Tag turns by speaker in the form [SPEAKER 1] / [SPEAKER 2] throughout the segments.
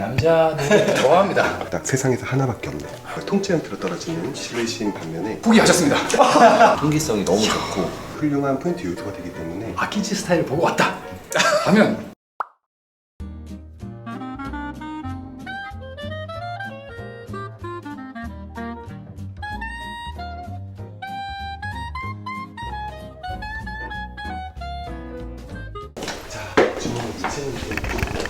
[SPEAKER 1] 남자들 좋아합니다.
[SPEAKER 2] 딱 세상에서 하나밖에 없네. 통째 형태로 떨어지는 실내신 반면에
[SPEAKER 1] 포기하셨습니다.
[SPEAKER 3] 통기성이 너무 좋고
[SPEAKER 2] 훌륭한 포인트 유튜버가 되기 때문에
[SPEAKER 1] 아키지 스타일을 보고 왔다 하면
[SPEAKER 2] 주문을 붙이는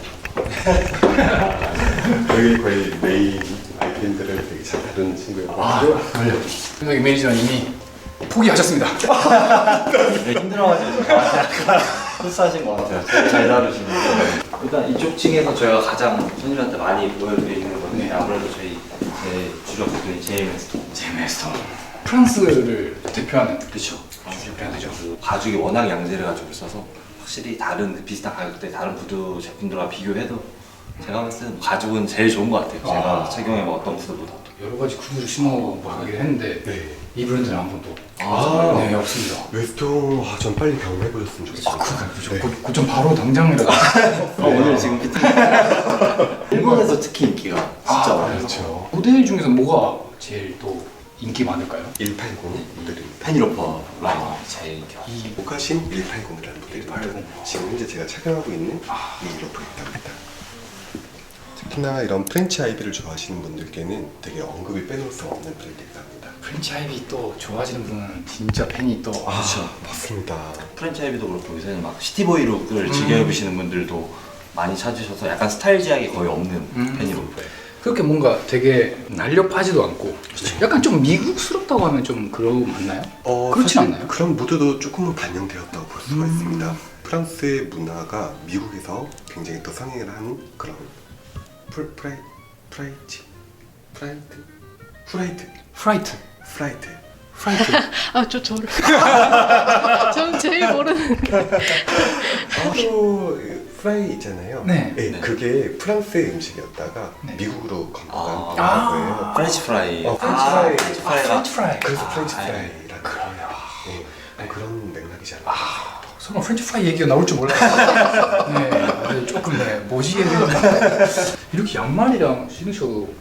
[SPEAKER 2] 여기 거의 메인 아이템들을 되게 잘 다루는 친구예요.
[SPEAKER 1] 여기 매니저님이 포기하셨습니다.
[SPEAKER 3] 힘들어가지고 약간 흡수하신 것 같아요. 되게 잘 다루시는데 일단 이쪽 층에서 저희가 가장 손님한테 많이 보여드리는 건데 아무래도 저희 제 주력 부분이
[SPEAKER 1] 제메스톤 프랑스를 대표하는
[SPEAKER 3] 그렇죠.
[SPEAKER 1] 대표해야 되죠.
[SPEAKER 3] 그 가죽이 워낙 양재를 가지고 있어서 확실히 다른 그 비슷한 가격대 다른 구두 제품들과 비교해도 제가 봤을 때는 가죽은 제일 좋은 것 같아요. 제가 착용해본 어떤 구두보다.
[SPEAKER 1] 여러 가지 구두를 신어보긴 했는데
[SPEAKER 2] 네.
[SPEAKER 1] 이 브랜드는 한 번도
[SPEAKER 2] 아.
[SPEAKER 1] 없습니다.
[SPEAKER 2] 웨스통 전 빨리 경험해보셨으면 좋겠어요.
[SPEAKER 1] 그 좀 바로 당장이라도
[SPEAKER 3] 오늘 지금 피팅 일본에서 특히 인기가 진짜 많아요.
[SPEAKER 2] 그렇죠.
[SPEAKER 1] 모델 중에서 뭐가 제일 또 인기 많을까요?
[SPEAKER 2] 180 모델입니다.
[SPEAKER 3] 페니로퍼 라인이 제일 인기가
[SPEAKER 1] 이
[SPEAKER 2] 모카신 180이라는 모델입니다. 지금 현재 제가 착용하고 있는 이 로프입니다. 특히나 이런 프렌치 아이비를 좋아하시는 분들께는 되게 언급이 빼놓을 수 없는 브랜드이기도 합니다.
[SPEAKER 1] 프렌치 아이비 또 좋아하시는 분은 진짜 팬이 또
[SPEAKER 2] 그렇죠. 맞습니다.
[SPEAKER 3] 프랜차이즈도 그렇고 요새는 막 시티보이 룩을 즐겨 입으시는 분들도 많이 찾으셔서 약간 스타일 제약이 거의 없는 페니로퍼예요.
[SPEAKER 1] 그렇게 뭔가 되게 날렵하지도 않고 약간 좀 미국스럽다고 하면 좀 그런 맞나요? 그렇지
[SPEAKER 2] 사실
[SPEAKER 1] 않나요?
[SPEAKER 2] 그런 무드도 조금은 반영되었다고 볼 수가 있습니다. 프랑스의 문화가 미국에서 굉장히 또 성행을 하는 그런 프라이트
[SPEAKER 1] 프라이트
[SPEAKER 4] 아, 저를. 저는 제일 모르는.
[SPEAKER 2] 또 프라이 있잖아요.
[SPEAKER 1] 네.
[SPEAKER 2] 그게 프랑스의 음식이었다가
[SPEAKER 1] 네.
[SPEAKER 2] 미국으로 건너간
[SPEAKER 1] 아.
[SPEAKER 2] 거예요.
[SPEAKER 3] 프렌치 프라이.
[SPEAKER 2] 프렌치 프라이.
[SPEAKER 3] 프렌치 프라이가
[SPEAKER 1] 프라이
[SPEAKER 2] 그래서 프렌치 프라이라는 거예요. 그런 맥락이지 않나.
[SPEAKER 1] 설마 프렌치 프라이 얘기가 나올 줄 몰랐어요. 네, 조금 뭐지 이렇게 양말이랑 신으셔도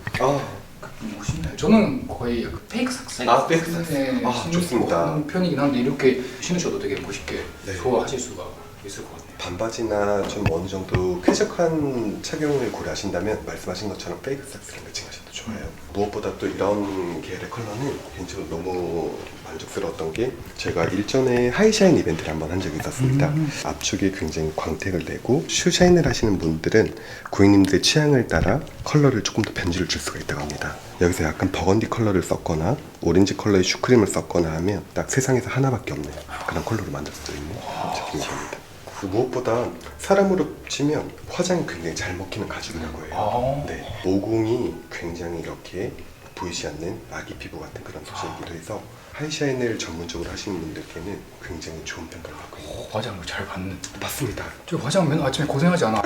[SPEAKER 1] 멋있네요. 저는 거의 약간 페이크 삭스.
[SPEAKER 2] 페이크 삭스. 좋습니다.
[SPEAKER 1] 하는 편이긴 한데 이렇게 신으셔도 되게 멋있게
[SPEAKER 2] 네.
[SPEAKER 1] 소화하실 수가 있을 것 같네요.
[SPEAKER 2] 반바지나 좀 어느 정도 쾌적한 착용을 고려하신다면 말씀하신 것처럼 페이크 삭스를 매칭하셔도 좋아요. 무엇보다 또 이런 계열의 컬러는 개인적으로 너무 만족스러웠던 게 제가 일전에 하이샤인 이벤트를 한번 한 적이 있었습니다. 앞쪽에 굉장히 광택을 내고 슈샤인을 하시는 분들은 고객님들의 취향을 따라 컬러를 조금 더 변주를 줄 수가 있다고 합니다. 여기서 약간 버건디 컬러를 썼거나 오렌지 컬러의 슈크림을 썼거나 하면 딱 세상에서 하나밖에 없는 그런 컬러로 만들 수 있는 제품이라고 합니다. 무엇보다 사람으로 치면 화장이 굉장히 잘 먹히는 가죽이라고 해요. 네, 모공이 굉장히 이렇게 보이지 않는 아기 피부 같은 그런 소재이기도 해서 하이샤인을 전문적으로 하시는 분들께는 굉장히 좋은 평가를 받고 있는
[SPEAKER 1] 화장을 잘 받는.
[SPEAKER 2] 맞습니다.
[SPEAKER 1] 저 화장 맨 아침에 고생하지 않아.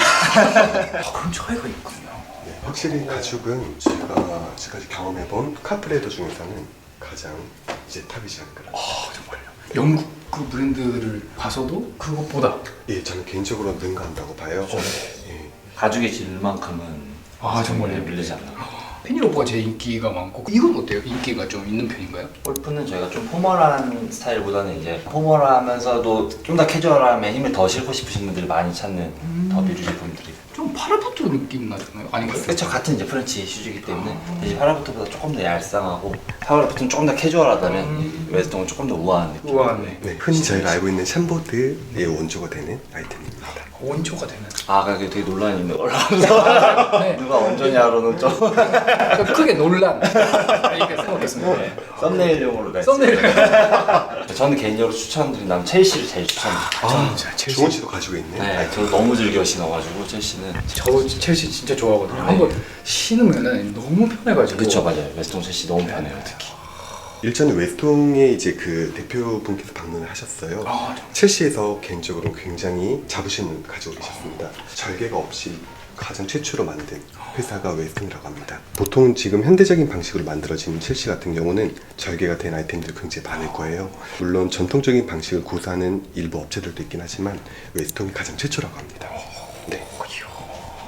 [SPEAKER 1] 그런 차이가 있군요.
[SPEAKER 2] 네, 확실히 가죽은 제가 지금까지 경험해본 카프레더 중에서는 가장 이제 탑이지 않을까.
[SPEAKER 1] 정말요. 영국 그 브랜드를 봐서도 그것보다
[SPEAKER 2] 예, 저는 개인적으로 능가한다고 봐요. 예.
[SPEAKER 3] 가죽의 질만큼은
[SPEAKER 1] 정말요?
[SPEAKER 3] 밀리지 않나.
[SPEAKER 1] 페니로퍼가 제일 인기가 많고 이건 어때요? 인기가 좀 있는 편인가요?
[SPEAKER 3] 골프는 저희가 좀 포멀한 스타일보다는 이제 포멀하면서도 좀 더 캐주얼함에 힘을 더 실고 싶으신 분들이 많이 찾는 더비 제품들이.
[SPEAKER 1] 좀 파라부트 느낌 나잖아요? 아닌가요?
[SPEAKER 3] 그렇죠. 같은 이제 프렌치 슈즈이기 때문에 대신 파라부트보다 조금 더 얄쌍하고 파라부트는 조금 더 캐주얼하다면 이 웨스통은 조금 더 우아한 느낌.
[SPEAKER 1] 우아하네.
[SPEAKER 2] 네, 흔히 저희가 알고 있는 샴보드의 원조가 되는 아이템입니다.
[SPEAKER 1] 원조가 되는.
[SPEAKER 3] 그게 되게 논란이 있는 걸로
[SPEAKER 1] 네.
[SPEAKER 3] 누가 원조냐로는 좀
[SPEAKER 1] 크게 논란. 이렇게 생각했습니다. 네.
[SPEAKER 3] 썸네일용으로 네.
[SPEAKER 1] 썸네일.
[SPEAKER 3] 저는 개인적으로 추천드린다면 첼시를 제일 추천드립니다.
[SPEAKER 2] 주원 씨도 가지고 있는
[SPEAKER 3] 네,
[SPEAKER 2] 아이템.
[SPEAKER 3] 저 너무 즐겨 신어가지고 첼시는.
[SPEAKER 1] 저도 첼시 진짜 좋아하거든요. 한번 신으면은 너무 편해가지고.
[SPEAKER 3] 그쵸, 맞아요. 웨스통 첼시 너무 편해요, 특히.
[SPEAKER 2] 일전에 웨스통의 이제 그 대표분께서 방문을 하셨어요. 첼시에서 개인적으로 굉장히 자부심을 가지고 계셨습니다. 절개가 없이 가장 최초로 만든 회사가 웨스통이라고 합니다. 보통 지금 현대적인 방식으로 만들어진 첼시 같은 경우는 절개가 된 아이템들이 굉장히 많을 거예요. 물론 전통적인 방식을 고수하는 일부 업체들도 있긴 하지만 웨스통이 가장 최초라고 합니다. 네.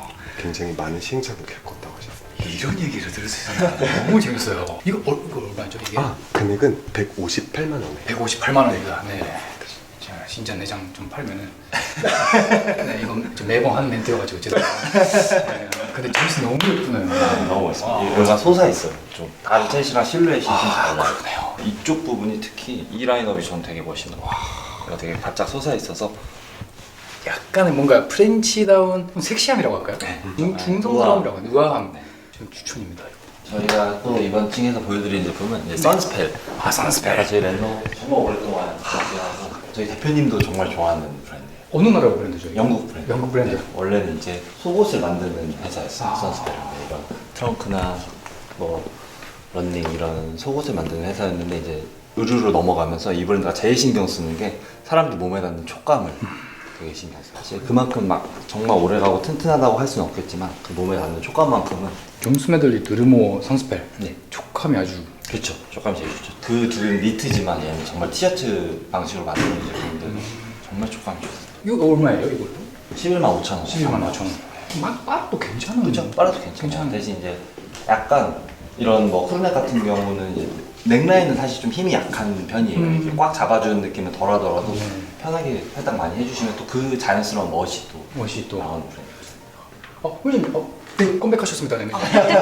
[SPEAKER 2] 굉장히 많은 시행착오를 겪었다고 하셨습니다.
[SPEAKER 1] 이런 얘기를 들었어요. 너무 재밌어요. 이거 얼마죠 이게?
[SPEAKER 2] 금액은 158만 원에
[SPEAKER 1] 158만 원입니다. 네. 제가 진짜 내장 좀 팔면은 네, 이건 좀 매번 하는 멘트여가지고 죄송합니다. 네, 근데 재밌어 너무 예쁘네요.
[SPEAKER 3] 너무 멋있어요. 여기가 솟아있어요. 좀 다른 셋이랑 실루엣이 좀 달라요.
[SPEAKER 1] 그러네요.
[SPEAKER 3] 이쪽 부분이 특히 이 라인업이 저는 되게 멋있는 것 같아요. 여기가 되게 바짝 솟아있어서
[SPEAKER 1] 약간의 뭔가 프렌치다운 섹시함이라고 할까요?
[SPEAKER 3] 네.
[SPEAKER 1] 중성스러움이라고 해요. 우아함.
[SPEAKER 3] 네.
[SPEAKER 1] 좀 추천입니다.
[SPEAKER 3] 저희가 또 이번 층에서 보여드리는 제품은 이제 선스펠.
[SPEAKER 1] 선스펠.
[SPEAKER 3] 저희 렌노 정말 오랫동안 준비하고 저희 대표님도 정말 좋아하는 브랜드예요.
[SPEAKER 1] 어느 나라 브랜드죠? 이게?
[SPEAKER 3] 영국 브랜드.
[SPEAKER 1] 영국 브랜드.
[SPEAKER 3] 네, 원래는 이제 속옷을 만드는 회사였어요. 선스펠인데 이런 트렁크나 뭐 런닝 이런 속옷을 만드는 회사였는데 이제 의류로 넘어가면서 이 브랜드가 제일 신경 쓰는 게 사람들 몸에 닿는 촉감을 되게 신경 써요. 사실 그만큼 막 정말 오래가고 튼튼하다고 할 수는 없겠지만 그 몸에 닿는 촉감만큼은
[SPEAKER 1] 존스 메들리 드르모 선스펠.
[SPEAKER 3] 네.
[SPEAKER 1] 촉감이 아주
[SPEAKER 3] 그렇죠. 촉감이 제일 좋죠. 그 둘은 니트지만 얘는 정말 티셔츠 방식으로 만드는 제품들 정말 촉감이 좋아요.
[SPEAKER 1] 이거 얼마예요 이것도?
[SPEAKER 3] 11만 5천 원.
[SPEAKER 1] 11만 5천 원. 맛도 괜찮은.
[SPEAKER 3] 그렇죠. 빨아도 괜찮아요. 대신 이제 약간 이런 뭐 크루넥 같은 경우는 이제 넥라인은 사실 좀 힘이 약한 편이에요. 이렇게 꽉 잡아주는 느낌은 덜하더라도 편하게 살짝 많이 해주시면 또 그 자연스러운 멋이 또
[SPEAKER 1] 멋이 또.
[SPEAKER 3] 나오는 브랜드.
[SPEAKER 1] 회장님, 네, 컴백하셨습니다. 네.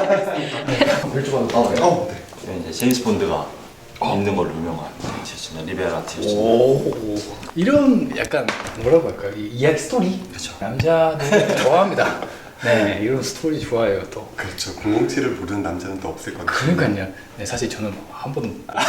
[SPEAKER 1] 벨트가.
[SPEAKER 2] 네.
[SPEAKER 3] 이제 제임스 본드가 입는 걸로 유명한 티셔츠나 리베라 티셔츠.
[SPEAKER 1] 오. 이런 약간 뭐라고 할까요? 이야기 스토리.
[SPEAKER 3] 그렇죠.
[SPEAKER 1] 남자들 좋아합니다. 네, 이런 스토리 좋아해요 또.
[SPEAKER 2] 그렇죠. 007을 모르는 남자는 또 없을 것 같아요.
[SPEAKER 1] 그러니까요. 네, 사실 저는 한 번도.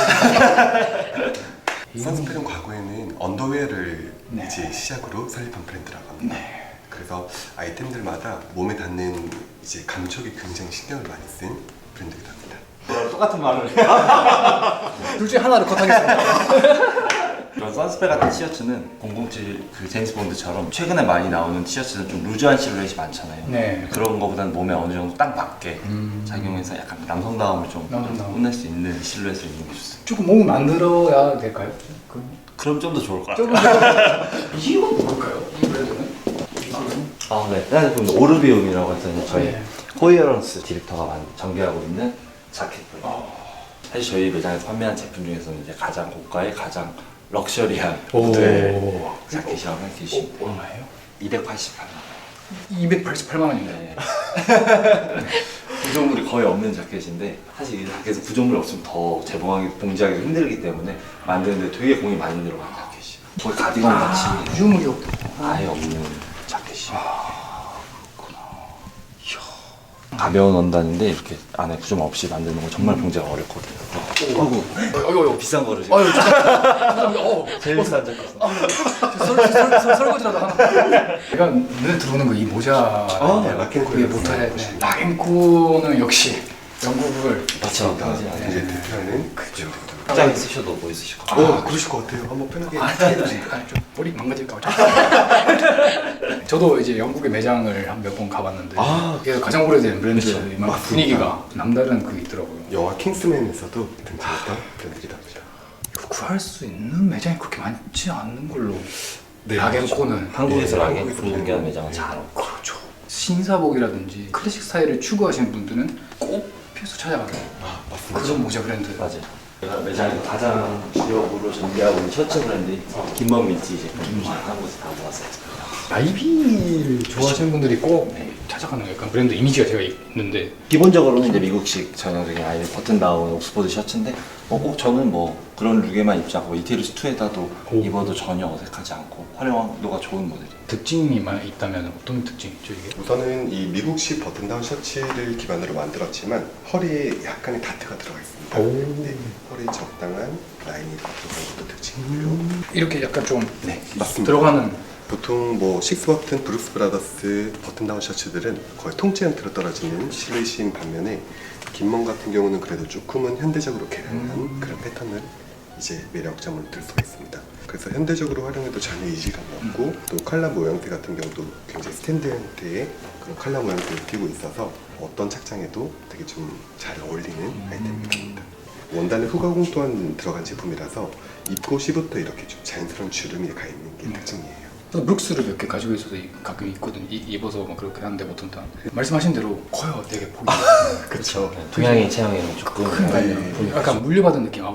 [SPEAKER 2] 선스펠은 과거에는 언더웨어를
[SPEAKER 1] 네.
[SPEAKER 2] 이제 시작으로 설립한 브랜드라고 합니다.
[SPEAKER 1] 네.
[SPEAKER 2] 그래서 아이템들마다 몸에 닿는 이제 감촉에 굉장히 신경을 많이 쓴 브랜드이기도 합니다.
[SPEAKER 3] 똑같은 말을.
[SPEAKER 1] 둘 중에 하나를 컷하겠습니다.
[SPEAKER 3] 그런 선스펠 같은 티셔츠는 007 그 제임스 본드처럼 최근에 많이 나오는 티셔츠는 좀 루즈한 실루엣이 많잖아요.
[SPEAKER 1] 네.
[SPEAKER 3] 그런 거보다는 몸에 어느 정도 딱 맞게 착용해서 약간 남성다움을 좀
[SPEAKER 1] 남성다움.
[SPEAKER 3] 뽐낼 수 있는 실루엣을 입는 게 좋습니다.
[SPEAKER 1] 조금 몸을 만들어야 될까요?
[SPEAKER 3] 그럼 좀 더 좋을 것 같아요.
[SPEAKER 1] 조금 더. 이건 뭘까요? 이 브랜드는?
[SPEAKER 3] 아, 네. 그럼 오르비움이라고 해서 이제 저희
[SPEAKER 1] 네.
[SPEAKER 3] 코이어런스 디렉터가 전개하고 있는 자켓이고요. 사실 저희 매장에서 판매한 제품 중에서는 이제 가장 고가의 가장 럭셔리한 모델 자켓이라고 생각해 주시면 돼요.
[SPEAKER 1] 얼마예요?
[SPEAKER 3] 288만 원.
[SPEAKER 1] 288만 원입니다.
[SPEAKER 3] 네. 구조물이 거의 없는 자켓인데 사실 이 자켓은 구조물이 없으면 더 재봉하기, 봉지하기 힘들기 때문에 만드는데 되게 공이 많이 들어가는 자켓이에요. 거의 가디건 같이
[SPEAKER 1] 구조물이 없다.
[SPEAKER 3] 아예 없는 자켓이에요. 가벼운 원단인데 이렇게 안에 구조물 없이 만드는 거 정말 봉제가 어렵거든요. 아이고 비싼 거를 지금.
[SPEAKER 1] 아유, 죄송합니다.
[SPEAKER 3] 제일 비싼 자켓.
[SPEAKER 1] 설거지라도 하나. 제가 눈에 들어오는 거 이 모자.
[SPEAKER 2] 락앤코의
[SPEAKER 1] 이게 모자에 락앤코는 역시 영국을.
[SPEAKER 3] 맞죠.
[SPEAKER 2] 이제 대표하는
[SPEAKER 1] 그죠.
[SPEAKER 3] 짱 쓰셔도 뭐 있으실 것 같아요.
[SPEAKER 2] 그러실 것 같아요. 한번 편하게.
[SPEAKER 1] 좀 머리 망가질까 봐. 저도 이제 영국의 매장을 한 몇 번 가봤는데 이게 가장 오래된 브랜드지만 분위기가 남다른 그게 있더라고요.
[SPEAKER 2] 영화 킹스맨에서도 등장했던 브랜드이기도 합니다.
[SPEAKER 1] 이거 구할 수 있는 매장이 그렇게 많지 않는 걸로.
[SPEAKER 2] 네,
[SPEAKER 1] 락앤코는
[SPEAKER 3] 한국에서
[SPEAKER 2] 네,
[SPEAKER 3] 락앤
[SPEAKER 2] 한국에서
[SPEAKER 3] 공개하는 매장은 잘 없고.
[SPEAKER 1] 그렇죠. 신사복이라든지 클래식 스타일을 추구하시는 분들은 꼭 필수 찾아가는
[SPEAKER 2] 맞습니다.
[SPEAKER 1] 그런 모자 브랜드.
[SPEAKER 3] 맞아요. 제가 매장에서 가장 기업으로 전개하고 있는 셔츠 브랜드 김범민지 제품 한국에서 다 모았어요.
[SPEAKER 1] 나이비를 좋아하시는 분들이 꼭 찾아가는 약간 브랜드 이미지가 제가 있는데
[SPEAKER 3] 기본적으로는 이제 미국식 전형적인 아예 버튼 다운 옥스퍼드 셔츠인데 꼭 저는 뭐 그런 룩에만 입지 않고 이태리스 2에다도 입어도 전혀 어색하지 않고 활용도가 좋은 모델이에요.
[SPEAKER 1] 특징이 있다면 어떤 특징이 있죠 이게?
[SPEAKER 2] 우선은 이 미국식 버튼다운 셔츠를 기반으로 만들었지만 허리에 약간의 다트가 들어가 있습니다. 네, 허리에 적당한 라인이 들어간 것도 특징이고요.
[SPEAKER 1] 이렇게 약간 좀
[SPEAKER 2] 맞습니다.
[SPEAKER 1] 들어가는.
[SPEAKER 2] 보통 뭐 식스버튼, 브룩스 브라더스 버튼다운 셔츠들은 거의 통째 형태로 떨어지는 실루엣인 반면에 김먼 같은 경우는 그래도 조금은 현대적으로 개량한 그런 패턴을 이제 매력점을 들 수가 있습니다. 그래서 현대적으로 활용해도 전혀 이질감이 없고 또 칼라 모양새 같은 경우도 굉장히 스탠드 형태의 그런 칼라 모양새를 띄고 있어서 어떤 착장에도 되게 좀 잘 어울리는 아이템입니다. 원단에 후가공 또한 들어간 제품이라서 입고 시부터 이렇게 좀 자연스러운 주름이 가 있는 게 특징이에요.
[SPEAKER 1] 저도 브룩스를 몇 개 가지고 있어서 가끔 입거든. 입어서 막 그렇게 하는데 보통 다 말씀하신 대로 커요. 되게 보기.
[SPEAKER 2] 그렇죠.
[SPEAKER 3] 동양인 체형에는 조금
[SPEAKER 1] 약간 물려받은 느낌.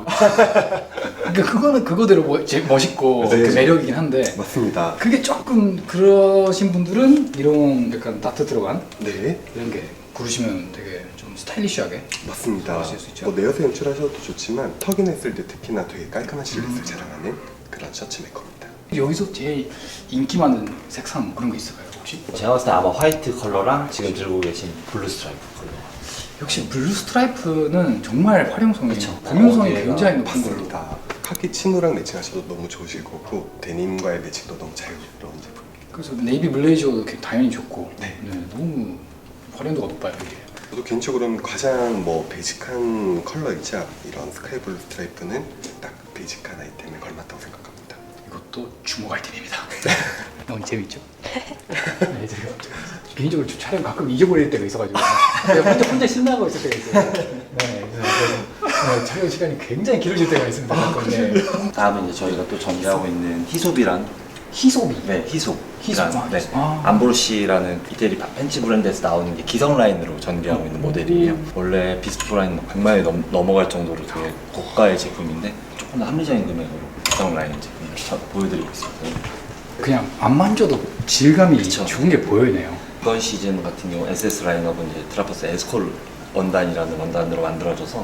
[SPEAKER 1] 그러니까 그거는 그거대로 멋있고
[SPEAKER 2] 네.
[SPEAKER 1] 그 매력이긴 한데
[SPEAKER 2] 맞습니다.
[SPEAKER 1] 그게 조금 그러신 분들은 이런 약간 다트 들어간
[SPEAKER 2] 네,
[SPEAKER 1] 이런 게 고르시면 되게 좀 스타일리시하게
[SPEAKER 2] 맞습니다.
[SPEAKER 1] 좋아하실 수 있죠.
[SPEAKER 2] 뭐 네어스 연출하셔도 좋지만 턱인했을 때 특히나 되게 깔끔한 실루엣을 자랑하는 그런 셔츠 메이커입니다.
[SPEAKER 1] 여기서 제일 인기 많은 색상 그런 거 있을까요 혹시?
[SPEAKER 3] 제가 봤을 때 아마 화이트 컬러랑 지금 들고 계신 블루 스트라이프 컬러.
[SPEAKER 1] 역시 블루 스트라이프는 정말 활용성이
[SPEAKER 3] 그쵸.
[SPEAKER 1] 범용성이
[SPEAKER 3] 어디에가
[SPEAKER 1] 굉장히 높은 걸로.
[SPEAKER 2] 맞습니다. 카키 치노랑 매칭하셔도 너무 좋으실 거고 데님과의 매칭도 너무 자유로운 제품입니다.
[SPEAKER 1] 그래서 네이비 블레이저도 당연히 좋고
[SPEAKER 2] 네.
[SPEAKER 1] 너무 활용도가 높아요 이게.
[SPEAKER 2] 저도 개인적으로는 가장 뭐 베이직한 컬러이자 이런 스카이 블루 스트라이프는 딱 베이직한 아이템에 걸맞다고 생각합니다.
[SPEAKER 1] 이것도 주목 아이템입니다. 너무 재밌죠? 네, 제가 개인적으로 촬영 가끔 잊어버릴 때가 있어가지고 내가 혼자 신나고 있을 때가 있어요. 네, 그래서 촬영 시간이 굉장히 길어질 때가 있습니다. 네.
[SPEAKER 3] 다음은 이제 저희가 또 전개하고 있는 히솝이란
[SPEAKER 1] 희소비.
[SPEAKER 3] 네, 희솝.
[SPEAKER 1] 희솝.
[SPEAKER 3] 네.
[SPEAKER 1] 아.
[SPEAKER 3] 암브로시라는 이태리 팬츠 브랜드에서 나오는 게 기성 라인으로 전개하고 있는 모델이에요. 원래 비스트 라인 100만이 넘어갈 정도로 되게 고가의 제품인데 조금 더 합리적인 금액으로 기성 라인 제품을 보여드리고 있습니다.
[SPEAKER 1] 그냥 안 만져도 질감이
[SPEAKER 3] 그쵸.
[SPEAKER 1] 좋은 게 보이네요.
[SPEAKER 3] 이번 시즌 같은 경우 SS 라인업은 이제 드라퍼스 에스콜 원단이라는 원단으로 만들어져서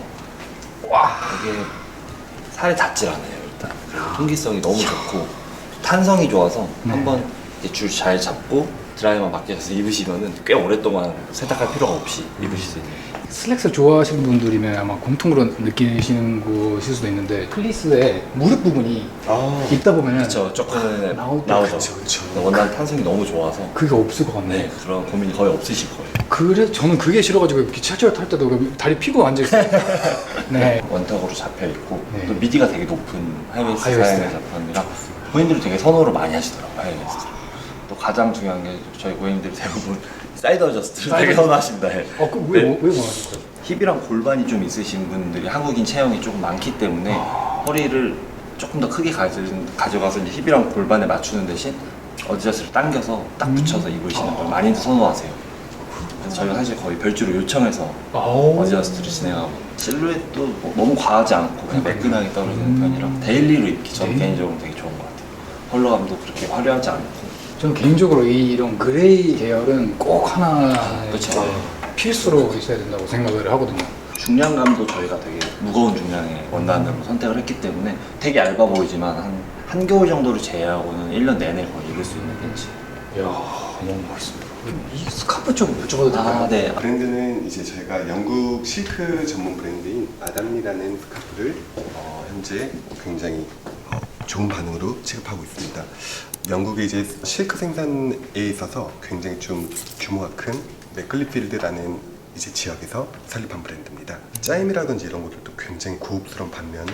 [SPEAKER 3] 와 이게 살에 닿질 않아요 일단. 그리고 통기성이 너무 좋고 탄성이 좋아서
[SPEAKER 1] 네.
[SPEAKER 3] 한번 줄 잘 잡고 드라이만 맡겨서 입으시면은 꽤 오랫동안 세탁할 필요가 없이 입으실 수 있는.
[SPEAKER 1] 슬랙스 좋아하시는 분들이면 아마 공통으로 느끼시는 곳일 수도 있는데 플리스의 무릎 부분이 입다 보면
[SPEAKER 3] 그렇죠. 조금
[SPEAKER 1] 나오죠.
[SPEAKER 3] 나오죠.
[SPEAKER 2] 그쵸.
[SPEAKER 3] 원단 탄성이 너무 좋아서
[SPEAKER 1] 그게 없을 것 같네.
[SPEAKER 3] 네 그런 고민이 거의 없으실 거예요.
[SPEAKER 1] 그래 저는 그게 싫어가지고 기차철 탈 때도 다리 피고 앉아 있어요. 네.
[SPEAKER 3] 원탁으로 잡혀 있고
[SPEAKER 1] 네.
[SPEAKER 3] 또 미디가 되게 높은 하이웨이스트
[SPEAKER 1] 하이웨이스트.
[SPEAKER 3] 사양의 제품이라 고객님들이 되게 선호를 많이 하시더라고요. 하이웨이스트. 또 가장 중요한 게 저희 고객님들이 대부분 사이드 어저스트를 되게 선호하십니다. 네.
[SPEAKER 1] 왜
[SPEAKER 3] 네.
[SPEAKER 1] 원하실 거예요?
[SPEAKER 3] 힙이랑 골반이 좀 있으신 분들이 한국인 체형이 조금 많기 때문에 허리를 조금 더 크게 가져가서 이제 힙이랑 골반에 맞추는 대신 어드저스트를 당겨서 딱 붙여서 입으시는 걸 많이들 선호하세요. 그래서 저희가 사실 거의 별주로 요청해서 어드저스트를 진행하고 실루엣도 뭐 너무 과하지 않고 그냥 매끈하게 떨어지는 편이라 데일리로 입기 저는 개인적으로 되게 좋은 것 같아요. 컬러감도 그렇게 화려하지 않고
[SPEAKER 1] 저는 개인적으로 이런 그레이 계열은 꼭 하나
[SPEAKER 3] 그쵸.
[SPEAKER 1] 필수로 있어야 된다고 생각을 하거든요.
[SPEAKER 3] 중량감도 저희가 되게 무거운 중량의 원단으로 선택을 했기 때문에 되게 얇아 보이지만 한겨울 정도를 제외하고는 1년 내내 거의 입을 수 있는 팬츠.
[SPEAKER 1] 이야 너무 멋있습니다. 이 스카프 좀 여쭤봐도 될까요?
[SPEAKER 3] 네.
[SPEAKER 2] 브랜드는 이제 저희가 영국 실크 전문 브랜드인 아담리라는 스카프를 현재 굉장히 좋은 반응으로 취급하고 있습니다. 영국의 이제 실크 생산에 있어서 굉장히 좀 규모가 큰 맥클리필드라는 이제 지역에서 설립한 브랜드입니다. 짜임이라든지 이런 것들도 굉장히 고급스러운 반면에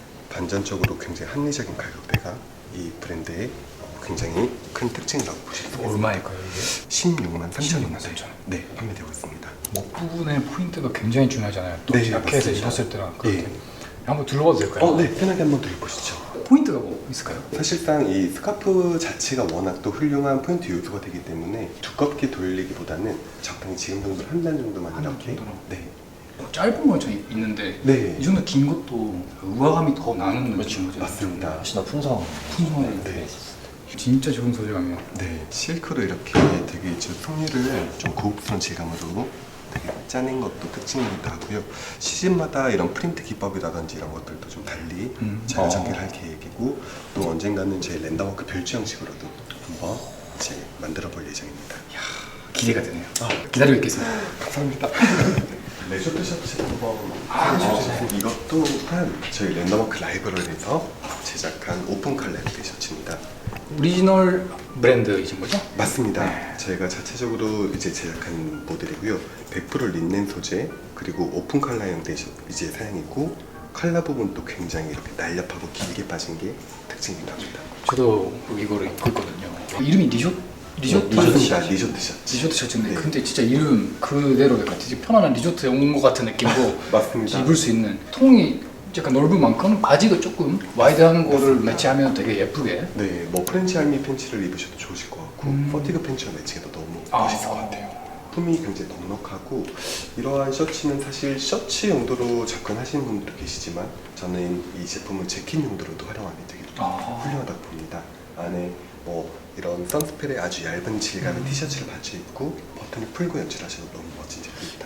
[SPEAKER 2] 반전적으로 굉장히 합리적인 가격대가 이 브랜드의 굉장히 큰 특징이라고 보실 수 있습니다.
[SPEAKER 1] 얼마일까요 이게?
[SPEAKER 2] 16만 3천
[SPEAKER 1] 16만 3천 원.
[SPEAKER 2] 네, 판매되고 있습니다.
[SPEAKER 1] 목 부분의 포인트가 굉장히 중요하잖아요. 또
[SPEAKER 2] 네,
[SPEAKER 1] 자켓에서
[SPEAKER 2] 맞습니다.
[SPEAKER 1] 입었을 때랑 그럴
[SPEAKER 2] 예.
[SPEAKER 1] 때. 한번 둘러봐도 될까요?
[SPEAKER 2] 네, 편하게 한번 더 해보시죠.
[SPEAKER 1] 포인트가 뭐 있을까요?
[SPEAKER 2] 사실상 이 스카프 자체가 워낙 또 훌륭한 포인트 요소가 되기 때문에 두껍게 돌리기보다는 적당히 지금 정도로 한 단 정도만
[SPEAKER 1] 한단
[SPEAKER 2] 이렇게
[SPEAKER 1] 정도로?
[SPEAKER 2] 네.
[SPEAKER 1] 짧은 건 저 있는데
[SPEAKER 2] 네.
[SPEAKER 1] 이 정도 긴 것도 우아감이 더 나는 느낌인 거죠.
[SPEAKER 2] 맞습니다.
[SPEAKER 3] 훨씬 더 풍성.
[SPEAKER 1] 풍성하게
[SPEAKER 2] 네.
[SPEAKER 1] 진짜 좋은 소재감이에요.
[SPEAKER 2] 네, 실크로 이렇게 되게 이제 섬유를 좀 고급스러운 질감으로 되게 짜낸 것도 특징이기도 하고요. 시즌마다 이런 프린트 기법이라든지 이런 것들도 좀 달리 자유 전개를 할 계획이고 또 언젠가는 제 랜덤워크 별주 형식으로도 한번 이제 만들어 볼 예정입니다.
[SPEAKER 1] 기대가 되네요. 기다리고 있겠습니다.
[SPEAKER 2] 감사합니다. 레저트 셔츠 한번 이것도 한 저희 랜덤워크 라이브러리에서 제작한 오픈 칼라의 셔츠입니다.
[SPEAKER 1] 오리지널 브랜드이신 거죠?
[SPEAKER 2] 맞습니다.
[SPEAKER 1] 네.
[SPEAKER 2] 저희가 자체적으로 이제 제작한 모델이고요. 100% 린넨 소재 그리고 오픈 칼라 형태 이제 사양이고 칼라 부분도 굉장히 이렇게 날렵하고 길게 빠진 게 특징이기도 합니다.
[SPEAKER 1] 저도 이거를 입고 있거든요. 이름이 리조트
[SPEAKER 2] 맞습니다. 리조트 셔츠.
[SPEAKER 1] 리조트 셔츠인데
[SPEAKER 2] 네.
[SPEAKER 1] 근데 진짜 이름 그대로 약간 되게 편안한 리조트에 온 것 같은 느낌으로
[SPEAKER 2] 맞습니다.
[SPEAKER 1] 입을 수 있는 통이 약간 넓은 만큼 바지도 조금 와이드한 거를 매치하면 되게 예쁘게.
[SPEAKER 2] 네, 뭐 프렌치 알미 팬츠를 입으셔도 좋으실 것 같고 퍼티그 팬츠와 매칭해도 너무 멋있을 것 같아요. 폼이 굉장히 넉넉하고 이러한 셔츠는 사실 셔츠 용도로 접근하시는 분들도 계시지만 저는 이 제품을 재킷 용도로도 활용하면 되게 훌륭하다고 봅니다. 안에 뭐 이런 선스펠의 아주 얇은 질감의 티셔츠를 받쳐 입고 버튼을 풀고 연출하셔도 너무 멋진 제품입니다.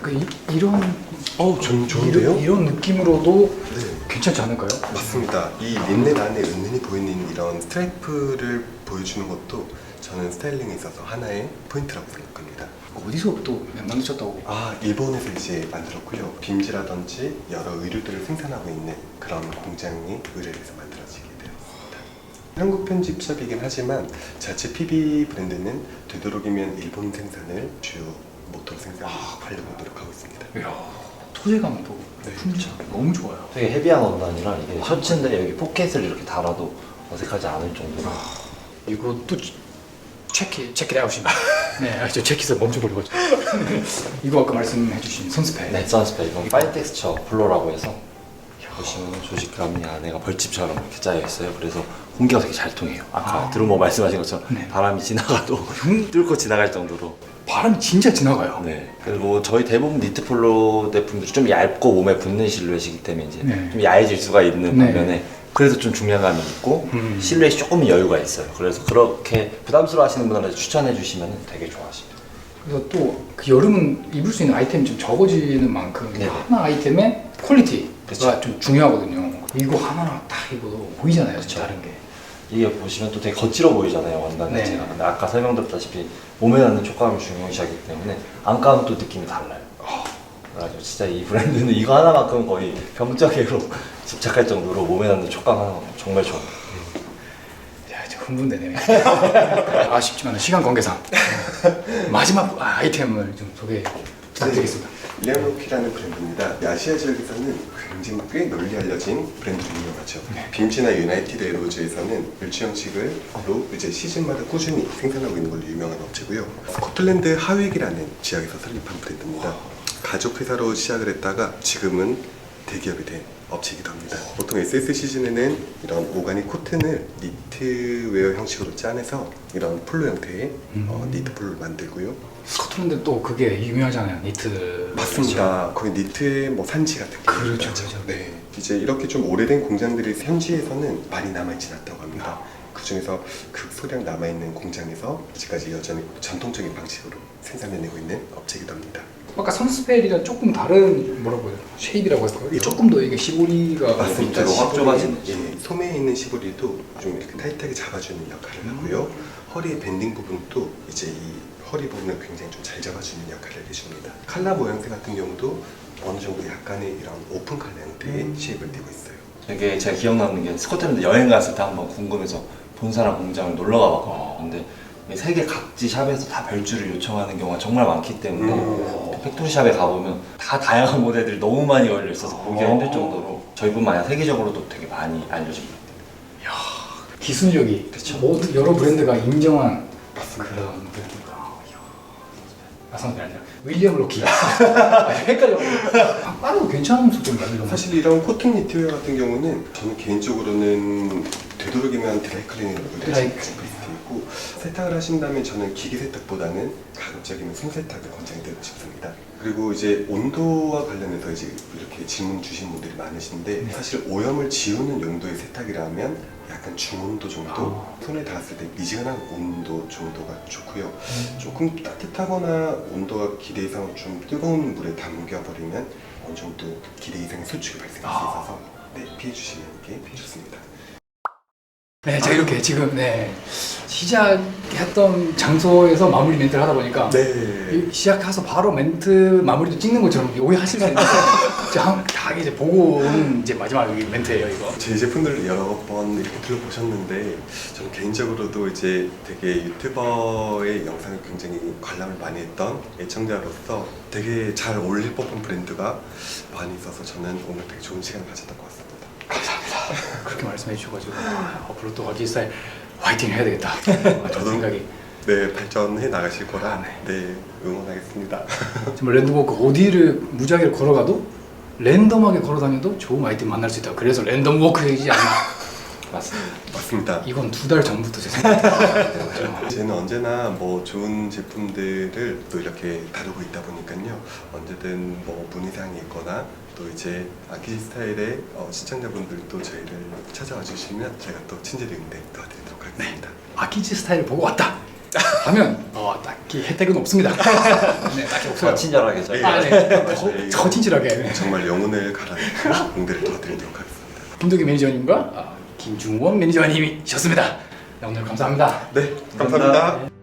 [SPEAKER 1] 이런
[SPEAKER 2] 좋은데요?
[SPEAKER 1] 이런 느낌으로도
[SPEAKER 2] 네.
[SPEAKER 1] 괜찮지 않을까요?
[SPEAKER 2] 맞습니다. 이 린넨 안에 은은히 보이는 이런 스트라이프를 보여주는 것도 저는 스타일링에 있어서 하나의 포인트라고 생각합니다.
[SPEAKER 1] 어디서 또 만드셨다고?
[SPEAKER 2] 일본에서 이제 만들었고요. 빔즈라든지 여러 의류들을 생산하고 있는 그런 공장이 의뢰해서 만들어지게 되었습니다. 한국 편집샵이긴 하지만 자체 PB 브랜드는 되도록이면 일본 생산을 주요 모토로 생산하려고 노력하고 있습니다.
[SPEAKER 1] 이야, 소재감도
[SPEAKER 2] 네.
[SPEAKER 1] 품질 너무 좋아요.
[SPEAKER 3] 되게 헤비한 원단이라 이게 셔츠인데 여기 포켓을 이렇게 달아도 어색하지 않을 정도로
[SPEAKER 1] 이것도 체크 아웃입니다. 네, 저 체크에서 멈춰버리거든요. 이거 아까 말씀해주신 선스펠.
[SPEAKER 3] 네, 선스펠 이건 파인 텍스처 블러라고 해서 보시면 조직감이 안에가 벌집처럼 이렇게 짜여 있어요. 그래서 공기가 되게 잘 통해요. 아까 드루머 말씀하신 것처럼
[SPEAKER 1] 네.
[SPEAKER 3] 바람이 지나가도 뚫고 지나갈 정도로.
[SPEAKER 1] 바람이 진짜 지나가요.
[SPEAKER 3] 네. 그리고 저희 대부분 니트 폴로 제품들이 좀 얇고 몸에 붙는 실루엣이기 때문에 이제
[SPEAKER 1] 네.
[SPEAKER 3] 좀 야해질 수가 있는
[SPEAKER 1] 네.
[SPEAKER 3] 반면에 그래도 좀 중량감이 있고 실루엣이 조금 여유가 있어요. 그래서 그렇게 부담스러워 하시는 분들한테 추천해 주시면 되게 좋아하십니다.
[SPEAKER 1] 그래서 또 그 여름은 입을 수 있는 아이템이 좀 적어지는 만큼
[SPEAKER 3] 네.
[SPEAKER 1] 하나 아이템의 퀄리티가
[SPEAKER 3] 그쵸.
[SPEAKER 1] 좀 중요하거든요. 이거 하나 딱 입어도 보이잖아요.
[SPEAKER 3] 그쵸.
[SPEAKER 1] 다른 게.
[SPEAKER 3] 이게 보시면 또 되게 거칠어 보이잖아요, 원단
[SPEAKER 1] 네.
[SPEAKER 3] 자체가. 근데 아까 설명드렸다시피 몸에 닿는 촉감을 중요시하기 때문에 안감은 또 느낌이 달라요. 그래가지고 진짜 이 브랜드는 이거 하나만큼 거의 병자개로 집착할 정도로 몸에 닿는 촉감 하나만큼 정말 좋아요.
[SPEAKER 1] 야, 저 흥분되네요. 아쉽지만 시간 관계상 마지막 아이템을 좀 소개 부탁드리겠습니다.
[SPEAKER 2] 레어로키라는 브랜드입니다. 아시아 지역에서는 굉장히 꽤 널리 알려진 브랜드로 유명하죠.
[SPEAKER 1] 네.
[SPEAKER 2] 빔즈나 유나이티드 에로즈에서는 멸치 형식으로 이제 시즌마다 꾸준히 생산하고 있는 걸로 유명한 업체고요. 스코틀랜드 하윅이라는 지역에서 설립한 브랜드입니다. 가족 회사로 시작을 했다가 지금은 대기업이 된 업체이기도 합니다. 보통 SS 시즌에는 이런 오가닉 코튼을 니트웨어 형식으로 짜내서 이런 폴로 형태의 니트 폴로를 만들고요.
[SPEAKER 1] 스코틀랜드 또 그게 유명하잖아요. 니트.
[SPEAKER 2] 맞습니다. 거의 니트의 뭐 산지 같은 게
[SPEAKER 1] 그렇죠,
[SPEAKER 2] 유명하죠.
[SPEAKER 1] 그렇죠.
[SPEAKER 2] 네. 이제 이렇게 좀 오래된 공장들이 현지에서는 많이 남아있진 않다고 합니다. 그 중에서 극소량 남아있는 공장에서 아직까지 여전히 전통적인 방식으로 생산해내고 있는 업체이기도 합니다.
[SPEAKER 1] 아까 선스펠이랑 조금 다른 뭐라고 해요? 쉐입이라고 할까요? 이게 조금 더 이게 시보리가
[SPEAKER 2] 맞습니다.
[SPEAKER 3] 밑으로 확 좁아지는
[SPEAKER 2] 예, 소매에 있는 시보리도 좀 이렇게 타이트하게 잡아주는 역할을 하고요. 허리의 밴딩 부분도 이제 이 허리 부분을 굉장히 좀 잘 잡아주는 역할을 해줍니다. 칼라 모양새 같은 경우도 어느 정도 약간의 이런 오픈 칼라 형태의 쉐입을 띠고 있어요.
[SPEAKER 3] 이게 제가 기억나는 게 스코틀랜드 여행 갔을 때 한번 궁금해서 본사랑 공장을 놀러 가봤거든요. 근데 세계 각지 샵에서 다 별주를 요청하는 경우가 정말 많기 때문에 팩토리샵에 가보면 다 다양한 모델들이 너무 많이 걸려 있어서 보기가 힘들 정도로 저희뿐만 아니라 세계적으로도 되게 많이 알려집니다.
[SPEAKER 1] 기술력이
[SPEAKER 3] 그쵸.
[SPEAKER 1] 모든 여러 브랜드가 인정한 그런 브랜드가. 선스펠 아니라 윌리엄 로키. 헷갈려. 빠르고 괜찮은 속도인가요? 이런 거?
[SPEAKER 2] 사실 이런 코튼 니트웨어 같은 경우는 저는 개인적으로는 되도록이면 드라이클리닝을
[SPEAKER 1] 드라이클리닝.
[SPEAKER 2] 있고 세탁을 하신다면 저는 기계 세탁보다는 가급적이면 손세탁을 권장드리고 싶습니다. 그리고 이제 온도와 관련해서 이제 이렇게 질문 주신 분들이 많으신데 사실 오염을 지우는 용도의 세탁이라면 약간 중온도 정도 손에 닿았을 때 미지근한 온도 정도가 좋고요. 조금 따뜻하거나 온도가 기대 이상 좀 뜨거운 물에 담겨버리면 어느 정도 기대 이상의 수축이 발생할 수 있어서 피해 주시는 게 좋습니다.
[SPEAKER 1] 네, 제가 이렇게 지금 시작했던 장소에서 마무리 멘트를 하다 보니까 시작해서 바로 멘트 마무리도 찍는 것처럼 오해하실 수 있는데 다 이제 보고 온 이제 마지막 멘트예요, 이거.
[SPEAKER 2] 제 제품들을 여러 번 이렇게 둘러보셨는데 저는 개인적으로도 이제 되게 유튜버의 영상을 굉장히 관람을 많이 했던 애청자로서 되게 잘 어울릴 법한 브랜드가 많이 있어서 저는 오늘 되게 좋은 시간을 가졌던 것 같습니다.
[SPEAKER 1] 감사합니다. 그렇게 말씀해 주셔가지고 앞으로 또 가기 스타일 화이팅 해야 되겠다. 저도 생각이.
[SPEAKER 2] 네, 발전해 나가실 거라
[SPEAKER 1] 네.
[SPEAKER 2] 응원하겠습니다.
[SPEAKER 1] 정말 랜드워크 어디를 무작위로 걸어가도 랜덤하게 걸어다녀도 좋은 아이템 만날 수 있다. 그래서 랜덤 워크이지 않나.
[SPEAKER 3] 맞습니다.
[SPEAKER 2] 맞습니다.
[SPEAKER 1] 이건 2달 전부터 제 생각이었죠.
[SPEAKER 2] 저는 언제나 뭐 좋은 제품들을 또 이렇게 다루고 있다 보니까요. 언제든 뭐 문의사항이 있거나 또 이제 아키지 스타일의 시청자분들도 저희를 찾아와 주시면 제가 또 친절히 응대 도와드리도록 하겠습니다.
[SPEAKER 1] 아키지 스타일을 보고 왔다 하면 딱히 혜택은 없습니다. 네, 딱히 없어요.
[SPEAKER 3] 더 친절하게 저희
[SPEAKER 1] 아, 네. 더 친절하게.
[SPEAKER 2] 정말 영혼을 갈아내고 응대를 도와드리도록 하겠습니다.
[SPEAKER 1] 김동기 매니저님과 김중원 매니저님이셨습니다. 네, 오늘 감사합니다.
[SPEAKER 2] 네, 감사합니다.